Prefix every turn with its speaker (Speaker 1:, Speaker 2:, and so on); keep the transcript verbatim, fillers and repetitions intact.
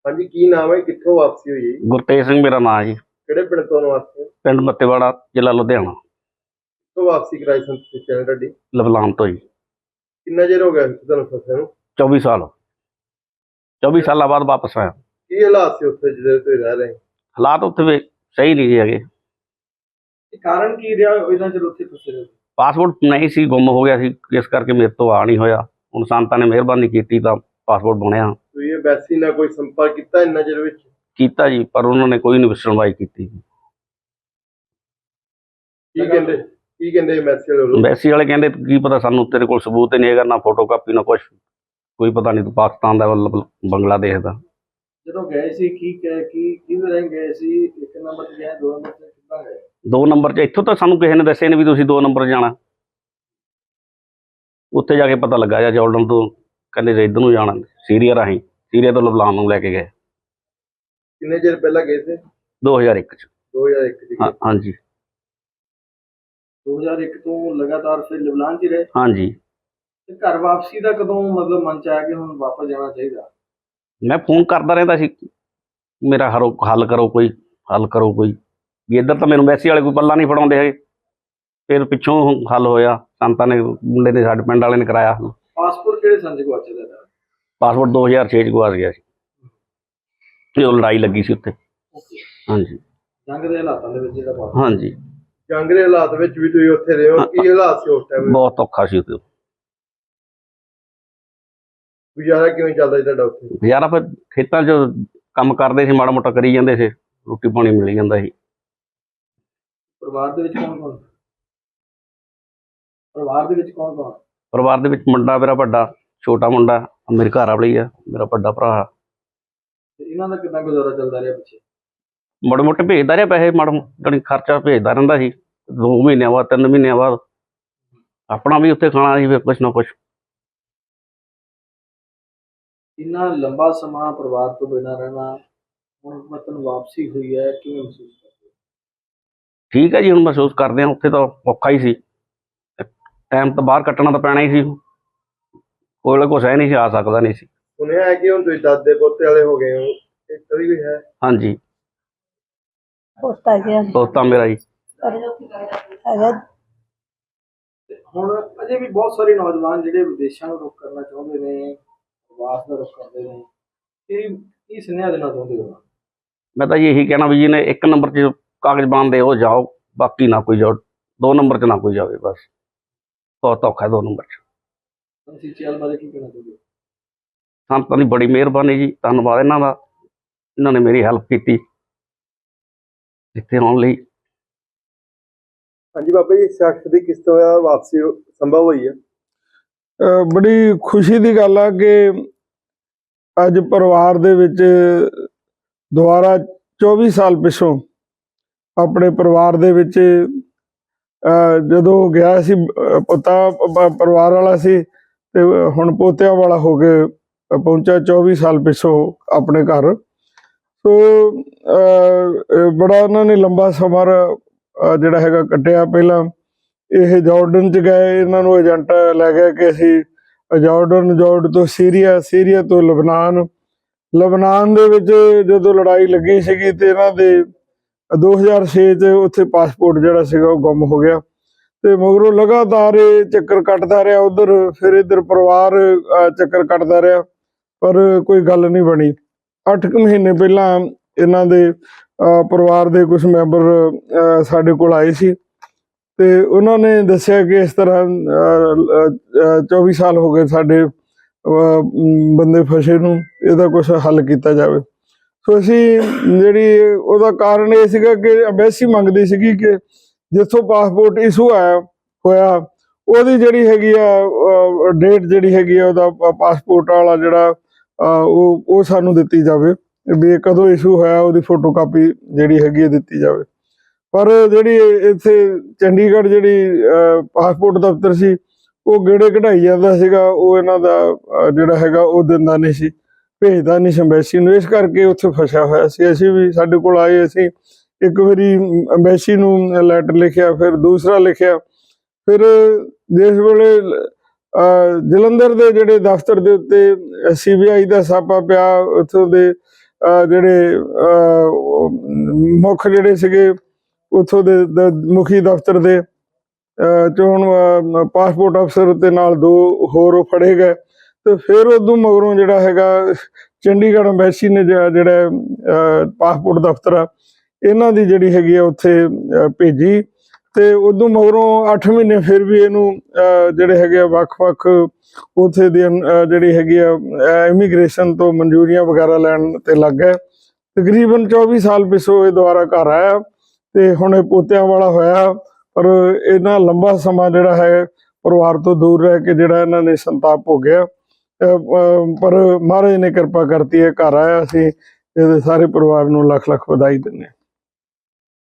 Speaker 1: हाँ जी, की नाम है, कित्थों वापसी हुई है?
Speaker 2: गुरतेज सिंह मेरा नाम है जी।
Speaker 1: किहड़े पिंड तो वापसी?
Speaker 2: पिंड मत्तेवाड़ा, जिला लुधियाना।
Speaker 1: कित्थों वापसी कराई संत चैन ढाडी?
Speaker 2: लबलान तो जी।
Speaker 1: कितना चिर हो गया तुहानूं फसे नूं?
Speaker 2: चौबीस साल चौबीस साल बाद वापस आया।
Speaker 1: की हालात से उत्थे जिहदे तुसीं रह रहे?
Speaker 2: हालात उत्थे वे सही नहीं जी हैगे।
Speaker 1: कारण की रहा इन्ना चिर उत्थे फसे रहे?
Speaker 2: पासपोर्ट नहीं सी, गुम हो गया सी, इस करके मेरे तो आ नहीं होया। हुण संतां ने मिहरबानी कीती तां पासपोर्ट बनिया।
Speaker 1: तुसीं एम्बैसी नाल कोई संपर्क कीता इन्ना चिर विच?
Speaker 2: कीता जी, पर उन्होंने कोई नहीं सुनवाई कीती।
Speaker 1: की कहंदे की कहंदे एम्बैसी वाले?
Speaker 2: एम्बैसी वाले कहंदे की पता, सानूं तेरे कोल सबूत ही नहीं हैगा, ना फोटो कापी ना कुछ, कोई पता नहीं तूं पाकिस्तान दा मतलब बंगलादेश दा।
Speaker 1: ਜਦੋਂ ਗਏ ਸੀ ਕੀ ਕਹਿ ਕੀ ਕਿਹਦੇ ਰਹਿ ਗਏ ਸੀ? ਇੱਕ ਨੰਬਰ ਤੇ ਗਏ, ਦੋ ਨੰਬਰ ਤੇ ਕਿੱਦਾਂ ਗਏ?
Speaker 2: ਦੋ ਨੰਬਰ 'ਚ ਇੱਥੋਂ ਤਾਂ ਸਾਨੂੰ ਕਿਸੇ ਨੇ ਦੱਸਿਆ ਨਹੀਂ ਵੀ ਤੁਸੀਂ ਦੋ ਨੰਬਰ ਜਾਣਾ। ਉੱਥੇ ਜਾ ਕੇ ਪਤਾ ਲੱਗਾ ਜਾਂ ਜਾਰਡਨ ਤੋਂ ਕਹਿੰਦੇ ਜੇ ਇੱਧਰ ਨੂੰ ਜਾਣਾ, ਸੀਰੀਆ ਰਾਹੀਂ, ਸੀਰੀਆ ਤੋਂ ਲਬਨਾਨ ਨੂੰ ਲੈ ਕੇ ਗਏ।
Speaker 1: ਕਿੰਨੇ ਚਿਰ ਪਹਿਲਾਂ ਗਏ ਸੀ?
Speaker 2: ਦੋ ਹਜ਼ਾਰ ਇੱਕ 'ਚ।
Speaker 1: ਦੋ ਹਜ਼ਾਰ ਇੱਕ 'ਚ?
Speaker 2: ਹਾਂ ਹਾਂਜੀ।
Speaker 1: ਦੋ ਹਜ਼ਾਰ ਇੱਕ ਤੋਂ ਲਗਾਤਾਰ ਫਿਰ ਲਬਨਾਨ 'ਚ ਹੀ ਰਹੇ?
Speaker 2: ਹਾਂਜੀ।
Speaker 1: ਤੇ ਘਰ ਵਾਪਸੀ ਦਾ ਕਦੋਂ ਮਤਲਬ ਮਨ 'ਚ ਆਇਆ ਕਿ ਹੁਣ ਵਾਪਸ ਜਾਣਾ ਚਾਹੀਦਾ?
Speaker 2: ਮੈਂ ਫੋਨ ਕਰਦਾ ਰਹਿੰਦਾ ਸੀ, ਮੇਰਾ ਹਰੋ ਹੱਲ ਕਰੋ, ਕੋਈ ਹੱਲ ਕਰੋ ਕੋਈ, ਵੀ ਇੱਧਰ ਤਾਂ ਮੈਨੂੰ ਐਮਬੈਸੀ ਵਾਲੇ ਕੋਈ ਪੱਲਾ ਨਹੀਂ ਫੜਾਉਂਦੇ ਹੈਗੇ। ਫਿਰ ਪਿੱਛੋਂ ਹੱਲ ਹੋਇਆ, ਸੰਤਾਂ ਨੇ, ਮੁੰਡੇ ਨੇ, ਸਾਡੇ ਪਿੰਡ ਵਾਲੇ ਨੇ ਕਰਾਇਆ ਹੱਲ।
Speaker 1: ਪਾਸਪੋਰਟ ਕਿਹੜੇ ਸੰਨ 'ਚ ਗੁਆਚਿਆ ਤੁਹਾਡਾ?
Speaker 2: ਪਾਸਪੋਰਟ ਦੋ ਹਜ਼ਾਰ ਛੇ 'ਚ ਗੁਆਚ ਗਿਆ ਸੀ, ਜਦੋਂ ਲੜਾਈ ਲੱਗੀ ਸੀ ਉੱਥੇ। ਹਾਂਜੀ।
Speaker 1: ਜੰਗ ਦੇ ਹਾਲਾਤਾਂ ਦੇ ਵਿੱਚ ਜਿਹੜਾ ਪਾਸਪੋਰਟ?
Speaker 2: ਹਾਂਜੀ।
Speaker 1: ਜੰਗ ਦੇ ਹਾਲਾਤ ਵਿੱਚ ਵੀ ਤੁਸੀਂ ਉੱਥੇ ਰਹੇ ਹੋ, ਕੀ ਹਾਲਾਤ ਸੀ ਉਸ ਟਾਈਮ?
Speaker 2: ਬਹੁਤ ਔਖਾ ਸੀ ਉੱਥੇ।
Speaker 1: ਗੁਜ਼ਾਰਾ ਕਿਵੇਂ ਚੱਲਦਾ ਸੀ ਤੁਹਾਡਾ ਉੱਥੇ?
Speaker 2: ਗੁਜ਼ਾਰਾ ਫਿਰ ਖੇਤਾਂ 'ਚ ਕੰਮ ਕਰਦੇ ਸੀ, ਮਾੜਾ ਮੋਟਾ ਕਰੀ ਜਾਂਦੇ ਸੀ, ਰੋਟੀ ਪਾਣੀ ਮਿਲ ਜਾਂਦਾ ਸੀ।
Speaker 1: ਪਰਿਵਾਰ ਦੇ ਵਿੱਚ ਕੌਣ ਕੌਣ? ਪਰਿਵਾਰ ਦੇ ਵਿੱਚ ਕੌਣ ਕੌਣ?
Speaker 2: ਪਰਿਵਾਰ ਦੇ ਵਿੱਚ ਮੁੰਡਾ ਮੇਰਾ ਵੱਡਾ, ਛੋਟਾ ਮੁੰਡਾ ਮੇਰੇ ਘਰ ਵਾਲੀ ਆ, ਮੇਰਾ ਵੱਡਾ ਭਰਾ।
Speaker 1: ਇਹਨਾਂ ਦਾ ਕਿੰਨਾ ਗੁਜ਼ਾਰਾ ਚੱਲਦਾ ਰਿਹਾ ਪਿੱਛੇ?
Speaker 2: ਮਾੜੇ ਮੋਟੇ ਭੇਜਦਾ ਰਿਹਾ ਪੈਸੇ, ਮਾੜਾ ਜਾਣੀ ਖਰਚਾ ਭੇਜਦਾ ਰਹਿੰਦਾ ਸੀ, ਦੋ ਮਹੀਨਿਆਂ ਬਾਅਦ, ਤਿੰਨ ਮਹੀਨਿਆਂ ਬਾਅਦ। ਆਪਣਾ ਵੀ ਉੱਥੇ ਖਾਣਾ ਸੀ ਫਿਰ ਕੁਛ ਨਾ ਕੁਛ।
Speaker 1: ਇੰਨਾ ਲੰਬਾ ਸਮਾਂ ਪਰਿਵਾਰ ਤੋਂ ਬਿਨਾਂ ਰਹਿਣਾ, ਹੁਣ ਮਤਲਬ ਵਾਪਸੀ ਹੋਈ ਹੈ, ਕਿਵੇਂ ਮਹਿਸੂਸ ਕਰਦੇ ਹੋ?
Speaker 2: ਠੀਕ ਹੈ ਜੀ, ਹੁਣ ਮਹਿਸੂਸ ਕਰਦੇ ਹਾਂ। ਉੱਥੇ ਤਾਂ ਔਖਾ ਹੀ ਸੀ, ਟਾਈਮ ਤਾਂ ਬਾਹਰ ਕੱਟਣਾ ਤਾਂ ਪੈਣਾ ਹੀ ਸੀ, ਕੋਲ ਕੁਛ ਹੈ ਨਹੀਂ ਸੀ, ਆ ਸਕਦਾ ਨਹੀਂ ਸੀ।
Speaker 1: ਸੁਣਿਆ ਹੈ ਕਿ ਹੁਣ ਤੁਸੀਂ ਦਾਦੇ ਪੋਤੇ ਵਾਲੇ ਹੋ ਗਏ ਹੋ, ਇਸ ਤਰ੍ਹਾਂ ਵੀ ਹੈ?
Speaker 2: ਹਾਂਜੀ।
Speaker 3: ਪੋਤਾ ਗਿਆ
Speaker 2: ਪੋਤਾ ਮੇਰਾ ਜੀ
Speaker 3: ਹੈਗਾ।
Speaker 1: ਹੁਣ ਅਜੇ ਵੀ ਬਹੁਤ ਸਾਰੇ ਨੌਜਵਾਨ ਜਿਹੜੇ ਵਿਦੇਸ਼ਾਂ ਨੂੰ ਰੁਖ ਕਰਨਾ ਚਾਹੁੰਦੇ ਨੇ, ਪ੍ਰਵਾਸ ਦਾ ਰੁਖ ਕਰਦੇ ਨੇ, ਕੀ ਕੀ ਸੁਨੇਹਾ ਦੇਣਾ ਚਾਹੁੰਦੇ ਹੋ?
Speaker 2: ਮੈਂ ਤਾਂ ਜੀ ਇਹੀ ਕਹਿਣਾ ਵੀ ਜਿਹਨੇ ਇੱਕ ਨੰਬਰ 'ਚ ਕਾਗਜ਼ ਬਣਦੇ ਉਹ ਜਾਓ, ਬਾਕੀ ਨਾ ਕੋਈ ਜਾਓ, ਦੋ ਨੰਬਰ 'ਚ ਨਾ ਕੋਈ ਜਾਵੇ, ਬਸ ਬਹੁਤ ਔਖਾ ਦੋ ਨੰਬਰ 'ਚ।
Speaker 1: ਤੁਸੀਂ ਚੈਲ ਬਾਰੇ ਕੀ ਕਹਿਣਾ ਚਾਹੁੰਦੇ ਹੋ?
Speaker 2: ਸੰਤਾਂ ਦੀ ਬੜੀ ਮਿਹਰਬਾਨੀ ਜੀ, ਧੰਨਵਾਦ ਇਹਨਾਂ ਦਾ, ਇਹਨਾਂ ਨੇ ਮੇਰੀ ਹੈਲਪ ਕੀਤੀ ਇੱਥੇ ਆਉਣ ਲਈ।
Speaker 1: ਹਾਂਜੀ ਬਾਬਾ ਜੀ, ਸ਼ਖਸ ਦੀ ਕਿਸ ਤਰ੍ਹਾਂ ਵਾਪਸੀ ਸੰਭਵ ਹੋਈ ਹੈ?
Speaker 4: ਬੜੀ ਖੁਸ਼ੀ ਦੀ ਗੱਲ ਆ ਕਿ ਅੱਜ ਪਰਿਵਾਰ ਦੇ ਵਿੱਚ ਦੁਬਾਰਾ ਚੌਵੀ ਸਾਲ ਪਿੱਛੋਂ ਆਪਣੇ ਪਰਿਵਾਰ ਦੇ ਵਿੱਚ ਜਦੋਂ ਗਿਆ ਸੀ, ਪੋਤਾ ਪਰਿਵਾਰ ਵਾਲਾ ਸੀ ਤੇ ਹੁਣ ਪੋਤਿਆਂ ਵਾਲਾ ਹੋ ਕੇ ਪਹੁੰਚਿਆ ਚੌਵੀ ਸਾਲ ਪਿੱਛੋਂ ਆਪਣੇ ਘਰ। ਸੋ ਬੜਾ ਉਹਨਾਂ ਨੇ ਲੰਬਾ ਸਮਾਂ ਜਿਹੜਾ ਹੈਗਾ ਕੱਟਿਆ। ਪਹਿਲਾਂ ਇਹ ਜਾਰਡਨ 'ਚ ਗਏ, ਇਹਨਾਂ ਨੂੰ ਏਜੰਟ ਲੈ ਗਿਆ ਕਿ ਅਸੀਂ ਜਾਰਡਨ, ਜਾਰਡਨ ਤੋਂ ਸੀਰੀਆ, ਸੀਰੀਆ ਤੋਂ ਲਬਨਾਨ। ਲਬਨਾਨ ਦੇ ਵਿੱਚ ਜਦੋਂ ਲੜਾਈ ਲੱਗੀ ਸੀਗੀ ਤੇ ਇਹਨਾਂ ਦੇ ਦੋ ਹਜ਼ਾਰ ਛੇ 'ਚ ਉੱਥੇ ਪਾਸਪੋਰਟ ਜਿਹੜਾ ਸੀਗਾ ਉਹ ਗੁੰਮ ਹੋ ਗਿਆ ਤੇ ਮਗਰੋਂ ਲਗਾਤਾਰ ਇਹ ਚੱਕਰ ਕੱਟਦਾ ਰਿਹਾ ਉੱਧਰ, ਫਿਰ ਇੱਧਰ ਪਰਿਵਾਰ ਚੱਕਰ ਕੱਟਦਾ ਰਿਹਾ, ਪਰ ਕੋਈ ਗੱਲ ਨਹੀਂ ਬਣੀ। ਅੱਠ ਕੁ ਮਹੀਨੇ ਪਹਿਲਾਂ ਇਹਨਾਂ ਦੇ ਪਰਿਵਾਰ ਦੇ ਕੁਝ ਮੈਂਬਰ ਸਾਡੇ ਕੋਲ ਆਏ ਸੀ ਤੇ ਉਹਨਾਂ ਨੇ ਦੱਸਿਆ ਕਿ ਇਸ ਤਰ੍ਹਾਂ ਚੌਵੀ ਸਾਲ ਹੋ ਗਏ ਸਾਡੇ ਬੰਦੇ ਫਸੇ ਨੂੰ, ਇਹਦਾ ਕੁਛ ਹੱਲ ਕੀਤਾ ਜਾਵੇ। ਸੋ ਅਸੀਂ ਜਿਹੜੀ ਉਹਦਾ ਕਾਰਨ ਇਹ ਸੀਗਾ ਕਿ ਐਮਬੈਸੀ ਮੰਗਦੀ ਸੀਗੀ ਕਿ ਜਿੱਥੋਂ ਪਾਸਪੋਰਟ ਇਸ਼ੂ ਆਇਆ ਹੋਇਆ ਉਹਦੀ ਜਿਹੜੀ ਹੈਗੀ ਆ ਡੇਟ ਜਿਹੜੀ ਹੈਗੀ ਆ ਉਹਦਾ ਪਾਸਪੋਰਟ ਵਾਲਾ ਜਿਹੜਾ ਉਹ ਉਹ ਸਾਨੂੰ ਦਿੱਤੀ ਜਾਵੇ, ਵੀ ਇਹ ਕਦੋਂ ਇਸ਼ੂ ਹੋਇਆ ਉਹਦੀ ਫੋਟੋ ਕਾਪੀ ਜਿਹੜੀ ਹੈਗੀ ਆ ਦਿੱਤੀ ਜਾਵੇ। ਪਰ ਜਿਹੜੀ ਇੱਥੇ ਚੰਡੀਗੜ੍ਹ ਜਿਹੜੀ ਪਾਸਪੋਰਟ ਦਫ਼ਤਰ ਸੀ ਉਹ ਗੇੜੇ ਕਢਾਈ ਜਾਂਦਾ ਸੀਗਾ, ਉਹ ਇਹਨਾਂ ਦਾ ਜਿਹੜਾ ਹੈਗਾ ਉਹ ਦਿੰਦਾ ਨਹੀਂ ਸੀ, ਭੇਜਦਾ ਨਹੀਂ ਸੀ ਐਮਬੈਸੀ ਨੂੰ, ਇਸ ਕਰਕੇ ਉੱਥੇ ਫਸਿਆ ਹੋਇਆ ਸੀ। ਅਸੀਂ ਵੀ ਸਾਡੇ ਕੋਲ ਆਏ, ਅਸੀਂ ਇੱਕ ਵਾਰੀ ਐਮਬੈਸੀ ਨੂੰ ਲੈਟਰ ਲਿਖਿਆ, ਫਿਰ ਦੂਸਰਾ ਲਿਖਿਆ, ਫਿਰ ਜਿਸ ਵੇਲੇ ਜਲੰਧਰ ਦੇ ਜਿਹੜੇ ਦਫ਼ਤਰ ਦੇ ਉੱਤੇ ਸੀ ਬੀ ਆਈ ਦਾ ਛਾਪਾ ਪਿਆ, ਉੱਥੋਂ ਦੇ ਅਹ ਜਿਹੜੇ ਅਹ ਮੁੱਖ ਜਿਹੜੇ ਸੀਗੇ ਉੱਥੋਂ ਦੇ ਦ- ਮੁਖੀ ਦਫ਼ਤਰ ਦੇ ਅਹ ਚੋਣ ਅਹ ਪਾਸਪੋਰਟ ਅਫਸਰ ਤੇ ਨਾਲ ਦੋ ਹੋਰ ਉਹ ਫੜੇ ਗਏ। ਤੇ ਫਿਰ ਉਦੋਂ ਮਗਰੋਂ ਜਿਹੜਾ ਹੈਗਾ ਚੰਡੀਗੜ੍ਹ ਅੰਬੈਸੀ ਨੇ ਜਿਹੜਾ ਜਿਹੜਾ ਅਹ ਪਾਸਪੋਰਟ ਦਫ਼ਤਰ ਆ ਇਹਨਾਂ ਦੀ ਜਿਹੜੀ ਹੈਗੀ ਆ ਉੱਥੇ ਅਹ ਭੇਜੀ। ਤੇ ਉਦੋਂ ਮਗਰੋਂ ਅੱਠ ਮਹੀਨੇ ਫਿਰ ਵੀ ਇਹਨੂੰ ਅਹ ਜਿਹੜੇ ਹੈਗੇ ਆ ਵੱਖ-ਵੱਖ ਉੱਥੇ ਦੀ ਅਹ ਜਿਹੜੀ ਹੈਗੀ ਆ ਇਮੀਗ੍ਰੇਸ਼ਨ ਤੋਂ ਮਨਜ਼ੂਰੀਆਂ ਵਗੈਰਾ ਲੈਣ ਤੇ ਲੱਗ ਗਏ। ਤਕਰੀਬਨ ਚੌਵੀ ਸਾਲ ਪਿੱਛੋਂ ਇਹ ਦੁਬਾਰਾ ਘਰ ਆਇਆ ਤੇ ਹੁਣ ਇਹ ਪੋਤਿਆਂ ਵਾਲਾ ਹੋਇਆ। ਪਰ ਇਹਨਾਂ ਲੰਬਾ ਸਮਾਂ ਜਿਹੜਾ ਹੈ ਪਰਿਵਾਰ ਤੋਂ ਦੂਰ ਰਹਿ ਕੇ ਜਿਹੜਾ ਇਹਨਾਂ ਨੇ ਸੰਤਾਪ ਭੋਗਿਆ। ਅਹ ਅਹ ਪਰ ਮਹਾਰਾਜ ਨੇ ਕਿਰਪਾ ਕਰਤੀ ਹੈ, ਘਰ ਆਇਆ। ਅਸੀਂ ਇਹਦੇ ਸਾਰੇ ਪਰਿਵਾਰ ਨੂੰ ਲੱਖ ਲੱਖ ਵਧਾਈ ਦਿੰਦੇ ਹਾਂ।